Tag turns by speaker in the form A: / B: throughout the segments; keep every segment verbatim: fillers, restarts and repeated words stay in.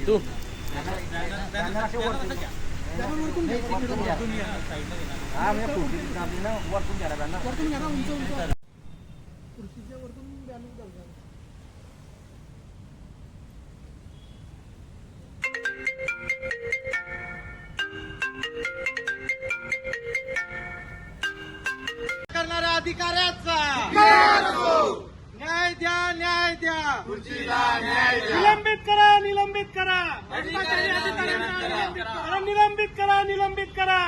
A: तू
B: हा म्हणजे खुर्ची आपली ना वरतून घ्यायला पाहिजे ना.
C: वरतून घ्या ना, उंच उंच खुर्चीच्या वरतून बॅलन्स धरतात.
B: करणाऱ्या अधिकाऱ्याचा न्याय द्या, न्याय द्या,
C: निलंबित करा, निलंबित करा, भ्रष्टाचारी अधिकाऱ्यांना निलंबित करा, निलंबित करा.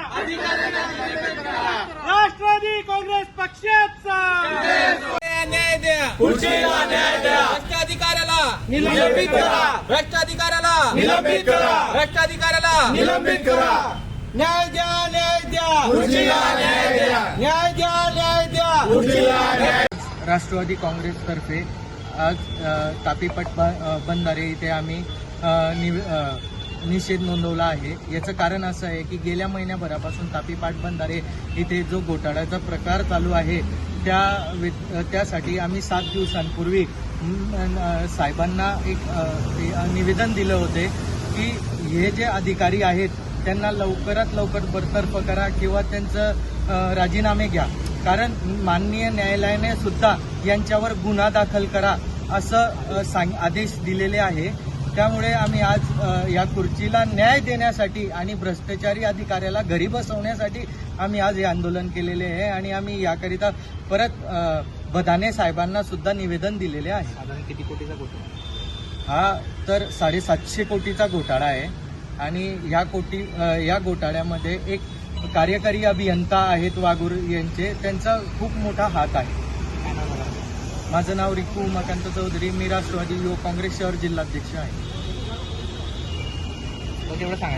C: राष्ट्रवादी काँग्रेस पक्षाचा
B: न्याय द्या,
A: खुर्चीला न्याय द्या,
B: भ्रष्टाधिकाऱ्याला
A: निलंबित करा,
B: भ्रष्टाधिकाऱ्याला
A: निलंबित करा,
B: भ्रष्टाधिकाऱ्याला
A: निलंबित करा,
B: न्याय द्या, न्याय द्या,
A: खुर्चीला न्याय द्या,
B: न्याय द्या, न्याय द्या.
A: खुर्चीला न्याय.
D: राष्ट्रवादी काँग्रेसतर्फे आज अ, तापीपट ब अ, बंधारे इथे आम्ही अ, निव अ, निषेध नोंदवला आहे. याचं कारण असं आहे की गेल्या महिन्याभरापासून तापीपाट बंधारे इथे जो घोटाळ्याचा प्रकार चालू आहे त्या वि- त्यासाठी आम्ही सात दिवसांपूर्वी म, अ, साहेबांना एक अ, ते, अ, निवेदन दिलं होते की हे जे अधिकारी आहेत त्यांना लवकरात लवकर बरतर्फ करा किंवा त्यांचं अ, राजीनामे घ्या, कारण माननीय न्यायालयाने सुद्धा यांच्यावर गुन्हा दाखल करा असं अ, सांग आदेश दिलेले आहे. त्यामुळे आम्ही आज अ, या खुर्चीला न्याय देण्यासाठी आणि भ्रष्टाचारी अधिकाऱ्याला घरी बसवण्यासाठी आम्ही आज हे आंदोलन केलेले आहे आणि आम्ही याकरिता परत अ, बदाने साहेबांना सुद्धा निवेदन दिलेले आहे.
A: साधारण किती कोटीचा घोटाळा?
D: हा तर साडेसातशे कोटीचा घोटाळा आहे आणि या कोटी अ, या घोटाळ्यामध्ये एक कार्यकारी अभियंता आहेत वागूर यांचे, त्यांचा खूप मोठा हात आहे.
A: काय नाव झालं?
D: माझं नाव रिकू उमाकांत चौधरी, मी राष्ट्रवादी युवक काँग्रेस शहर जिल्हाध्यक्ष आहे.
A: बघ एवढं सांगा.